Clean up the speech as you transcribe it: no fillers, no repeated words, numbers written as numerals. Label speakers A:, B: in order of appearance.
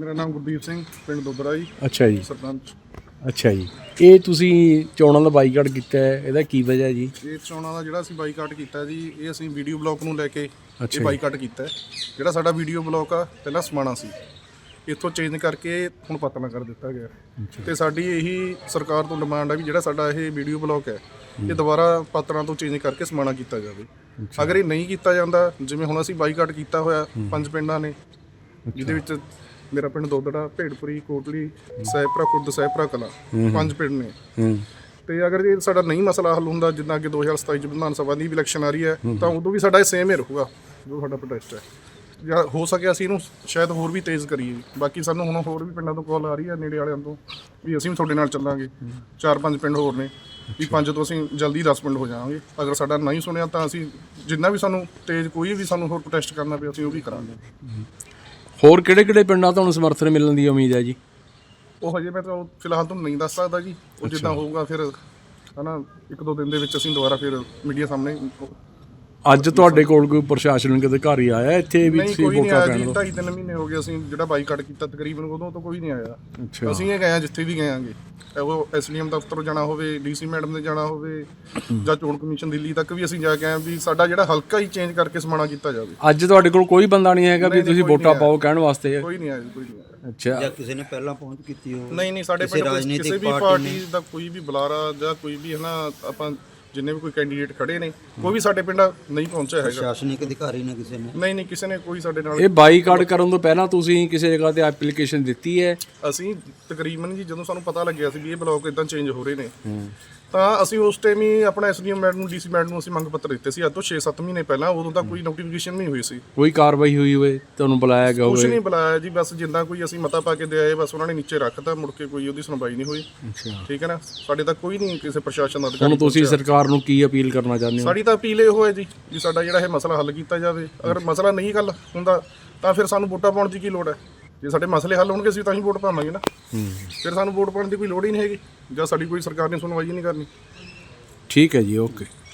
A: ਮੇਰਾ ਨਾਮ ਗੁਰਦੀਪ ਸਿੰਘ, ਪਿੰਡ ਦੁੱਬਰਾ ਜੀ।
B: ਅੱਛਾ ਜੀ,
A: ਸਰਪੰਚ।
B: ਅੱਛਾ ਜੀ। ਇਹ ਤੁਸੀਂ ਚੋਣਾਂ ਦਾ ਬਾਈਕਾਟ ਕੀਤਾ ਹੈ, ਇਹਦਾ ਕੀ ਵਜ੍ਹਾ ਜੀ?
A: ਇਹ ਚੋਣਾਂ ਦਾ ਜਿਹੜਾ ਅਸੀਂ ਬਾਈਕਾਟ ਕੀਤਾ ਜੀ, ਇਹ ਅਸੀਂ ਵੀਡੀਓ ਬਲੌਕ ਨੂੰ ਲੈ ਕੇ ਇਹ
B: ਅੱਛਾ
A: ਬਾਈਕਾਟ ਕੀਤਾ ਹੈ। ਜਿਹੜਾ ਸਾਡਾ ਵੀਡੀਓ ਬਲੌਕ ਆ ਪਹਿਲਾਂ ਸਮਾਣਾ ਸੀ, ਇੱਥੋਂ ਚੇਂਜ ਕਰਕੇ ਹੁਣ ਪਤਲਾ ਕਰ ਦਿੱਤਾ ਗਿਆ। ਤੇ ਸਾਡੀ ਇਹੀ ਸਰਕਾਰ ਤੋਂ ਡਿਮਾਂਡ ਆ ਵੀ ਜਿਹੜਾ ਸਾਡਾ ਇਹ ਵੀਡੀਓ ਬਲੌਕ ਹੈ ਇਹ ਦੁਬਾਰਾ ਪਾਤਰਾਂ ਤੋਂ ਚੇਂਜ ਕਰਕੇ ਸਮਾਣਾ ਕੀਤਾ ਜਾਵੇ। ਅਗਰ ਇਹ ਨਹੀਂ ਕੀਤਾ ਜਾਂਦਾ, ਜਿਵੇਂ ਹੁਣ ਅਸੀਂ ਬਾਈਕਾਟ ਕੀਤਾ ਹੋਇਆ 5 ਪਿੰਡਾਂ ਨੇ, ਜਿਹਦੇ ਵਿੱਚ ਮੇਰਾ ਪਿੰਡ ਦੋਦੜਾ, ਭੇੜਪੁਰੀ, ਕੋਟਲੀ, ਸਹਿਪਰਾ ਖੁਰਦ, ਸਹਿਪਰਾ ਕਲਾਂ, 5 ਪਿੰਡ ਨੇ। ਤੇ ਅਗਰ ਇਹ ਸਾਡਾ ਨਹੀਂ ਮਸਲਾ ਹੱਲ ਹੁੰਦਾ, ਜਿੱਦਾਂ ਕਿ 2027 ਚ ਵਿਧਾਨ ਸਭਾ ਦੀ ਵੀ ਇਲੈਕਸ਼ਨ ਆ ਰਹੀ ਹੈ, ਤਾਂ ਉਦੋਂ ਵੀ ਸਾਡਾ ਇਹ ਸੇਮ ਹੀ ਰਹੂਗਾ ਜੋ ਸਾਡਾ ਪ੍ਰੋਟੈਸਟ ਹੈ। ਜਾਂ ਹੋ ਸਕਿਆ ਅਸੀਂ ਇਹਨੂੰ ਸ਼ਾਇਦ ਹੋਰ ਵੀ ਤੇਜ਼ ਕਰੀਏ। ਬਾਕੀ ਸਾਨੂੰ ਹੁਣ ਹੋਰ ਵੀ ਪਿੰਡਾਂ ਤੋਂ ਕਾਲ ਆ ਰਹੀ ਹੈ, ਨੇੜੇ ਵਾਲਿਆਂ ਤੋਂ, ਵੀ ਅਸੀਂ ਵੀ ਤੁਹਾਡੇ ਨਾਲ ਚੱਲਾਂਗੇ। 4-5 ਪਿੰਡ ਹੋਰ ਨੇ ਵੀ 5 ਤੋਂ ਅਸੀਂ ਜਲਦੀ 10 ਪਿੰਡ ਹੋ ਜਾਵਾਂਗੇ। ਅਗਰ ਸਾਡਾ ਨਹੀਂ ਸੁਣਿਆ ਤਾਂ ਅਸੀਂ ਜਿੰਨਾ ਵੀ ਸਾਨੂੰ ਤੇਜ਼ ਕੋਈ ਵੀ ਸਾਨੂੰ ਹੋਰ ਪ੍ਰੋਟੈਸਟ ਕਰਨਾ ਪਿਆ, ਅਸੀਂ ਉਹ ਵੀ ਕਰਾਂਗੇ।
B: ਹੋਰ ਕਿਹੜੇ ਪਿੰਡਾਂ ਤੁਹਾਨੂੰ ਸਮਰਥਨ ਮਿਲਣ ਦੀ ਉਮੀਦ ਹੈ ਜੀ?
A: ਉਹ ਹਜੇ ਮੈਂ ਤਾਂ ਫਿਲਹਾਲ ਤੁਹਾਨੂੰ ਨਹੀਂ ਦੱਸ ਸਕਦਾ ਜੀ। ਉਹ ਜਿੱਦਾਂ ਹੋਊਗਾ ਫਿਰ ਹਨਾ 1-2 ਦਿਨ ਦੇ ਵਿੱਚ ਅਸੀਂ ਦੁਬਾਰਾ ਫਿਰ ਮੀਡੀਆ ਸਾਹਮਣੇ।
B: ਅੱਜ ਤੁਹਾਡੇ ਕੋਲ ਕੋਈ ਪ੍ਰਸ਼ਾਸਨਿਕ ਅਧਿਕਾਰੀ ਆਇਆ ਇੱਥੇ ਵੀ
A: ਨਹੀਂ,
B: ਤੁਸੀਂ
A: ਕੋਈ ਨਹੀਂ
B: ਵੋਟਾਂ
A: ਆਇਆ ਜੀ।
B: ਪੈਣ?
A: 2.5-3 ਮਹੀਨੇ ਹੋ ਗਏ ਅਸੀਂ ਜਿਹੜਾ ਬਾਈਕਾਟ ਕੀਤਾ ਤਕਰੀਬਨ, ਉਦੋਂ ਤੋਂ ਕੋਈ ਨਹੀਂ ਆਇਆ।
B: ਅੱਛਾ।
A: ਅਸੀਂ ਇਹ ਗਏ ਹਾਂ ਜਿੱਥੇ ਵੀ ਗਏ ਆਂਗੇ, ਉਹ ਐਸਡੀਐਮ ਦਫ਼ਤਰ ਜਾਣਾ ਹੋਵੇ, ਡੀਸੀ ਮੈਡਮ ਦੇ ਜਾਣਾ ਹੋਵੇ, ਜਾਂ ਚੋਣ ਕਮਿਸ਼ਨ ਦਿੱਲੀ ਤੱਕ ਵੀ ਅਸੀਂ ਜਾ ਕੇ ਆਏ ਵੀ ਸਾਡਾ ਜਿਹੜਾ ਹਲਕਾ ਹੀ ਚੇਂਜ ਕਰਕੇ ਸਮਾਣਾ ਕੀਤਾ ਜਾਵੇ।
B: ਅੱਜ ਤੁਹਾਡੇ ਕੋਲ ਕੋਈ ਬੰਦਾ ਨਹੀਂ ਹੈਗਾ ਵੀ ਤੁਸੀਂ ਵੋਟਾਂ ਪਾਓ ਕਹਿਣ ਵਾਸਤੇ?
A: ਕੋਈ ਨਹੀਂ ਆਇਆ ਜੀ, ਕੋਈ ਨਹੀਂ ਆਇਆ।
B: ਅੱਛਾ।
C: ਜਾਂ ਕਿਸੇ ਨੇ ਪਹਿਲਾਂ ਪਹੁੰਚ ਕੀਤੀ ਹੋ?
A: ਨਹੀਂ, ਸਾਡੇ ਪਿੰਡ ਕਿਸੇ ਵੀ ਪਾਰਟੀ ਦਾ ਕੋਈ ਵੀ ਬੁਲਾਰਾ ਜਾਂ ਕੋਈ ਵੀ ਹਨਾ, ਆਪਾਂ ਜਿੰਨੇ ਵੀ ਕੋਈ ਕੈਂਡੀਡੇਟ ਖੜੇ ਨੇ, ਕੋਈ ਵੀ ਸਾਡੇ ਪਿੰਡ ਨਹੀਂ ਪਹੁੰਚਿਆ ਹੈਗਾ।
C: ਪ੍ਰਸ਼ਾਸਨਿਕ ਅਧਿਕਾਰੀ ਨੇ ਕਿਸੇ ਨੇ?
A: ਨਹੀਂ, ਕਿਸੇ ਨੇ ਕੋਈ ਸਾਡੇ ਨਾਲ।
B: ਇਹ ਬਾਈਕਾਟ ਕਰਨ ਤੋਂ ਪਹਿਲਾਂ ਤੁਸੀਂ ਕਿਸੇ ਜਗ੍ਹਾ ਤੇ ਐਪਲੀਕੇਸ਼ਨ ਦਿੱਤੀ ਹੈ?
A: ਅਸੀਂ ਤਕਰੀਬਨ ਜੀ ਜਦੋਂ ਸਾਨੂੰ ਪਤਾ ਲੱਗਿਆ ਸੀ ਵੀ ਇਹ ਬਲੌਕ ਇਦਾਂ ਚੇਂਜ ਹੋ ਰਹੇ ਨੇ, ਤਾਂ ਅਸੀਂ ਉਸ ਟਾਈਮ ਹੀ ਆਪਣਾ ਐਸਡੀਐਮ ਮੈਡਮ ਨੂੰ, ਡੀਸੀ ਮੈਡਮ ਨੂੰ ਅਸੀਂ ਮੰਗ ਪੱਤਰ ਦਿੱਤੇ ਸੀ ਅੱਜ ਤੋਂ 6-7 ਮਹੀਨੇ ਪਹਿਲਾਂ। ਉਦੋਂ ਤਾਂ ਕੋਈ ਨੋਟੀਫਿਕੇਸ਼ਨ ਨਹੀਂ ਹੋਈ ਸੀ,
B: ਕੋਈ ਕਾਰਵਾਈ ਹੋਈ ਹੋਵੇ, ਤੁਹਾਨੂੰ ਬੁਲਾਇਆ ਗਿਆ
A: ਕੁਝ
B: ਹੋਵੇ?
A: ਨਹੀਂ ਬੁਲਾਇਆ ਜੀ। ਬਸ ਜਿੱਦਾਂ ਕੋਈ ਅਸੀਂ ਮਤਾ ਪਾ ਕੇ ਦੇ ਆਏ, ਬਸ ਉਹਨਾਂ ਨੇ ਨੀਚੇ ਰੱਖਤਾ, ਮੁੜ ਕੇ ਕੋਈ ਉਹਦੀ ਸੁਣਵਾਈ ਨਹੀਂ ਹੋਈ।
B: ਅੱਛਾ।
A: ਠੀਕ ਹੈ ਨਾ, ਸਾਡੇ ਤੱਕ ਕੋਈ ਨਹੀਂ ਕਿਸੇ ਪ੍ਰਸ਼ਾਸਨ ਦਾ ਅਧਿਕਾਰੀ
B: ਹੁਣ ਤੁਸੀਂ
A: ਪਹੁੰਚਿਆ।
B: ਸਰਕਾਰ ਨੂੰ ਕੀ ਅਪੀਲ ਕਰਨਾ ਚਾਹੁੰਦੇ ਹੋ?
A: ਸਾਡੀ ਤਾਂ ਅਪੀਲ ਇਹ ਹੋਏ ਜੀ ਵੀ ਸਾਡਾ ਜਿਹੜਾ ਇਹ ਮਸਲਾ ਹੱਲ ਕੀਤਾ ਜਾਵੇ। ਅਗਰ ਮਸਲਾ ਨਹੀਂ ਹੱਲ ਹੁੰਦਾ ਤਾਂ ਫਿਰ ਸਾਨੂੰ ਵੋਟਾਂ ਪਾਉਣ ਦੀ ਕੀ ਲੋੜ ਹੈ? ਜੇ ਸਾਡੇ ਮਸਲੇ ਹੱਲ ਹੋਣਗੇ ਅਸੀਂ ਤਾਂ ਹੀ ਵੋਟ ਪਾਵਾਂਗੇ ਨਾ। ਫਿਰ ਸਾਨੂੰ ਵੋਟ ਪਾਉਣ ਦੀ ਕੋਈ ਲੋੜ ਹੀ ਨਹੀਂ ਹੈਗੀ, ਜਾਂ ਸਾਡੀ ਕੋਈ ਸਰਕਾਰ ਨੇ ਸੁਣਵਾਈ ਹੀ ਨਹੀਂ ਕਰਨੀ।
B: ਠੀਕ ਹੈ ਜੀ, ਓਕੇ।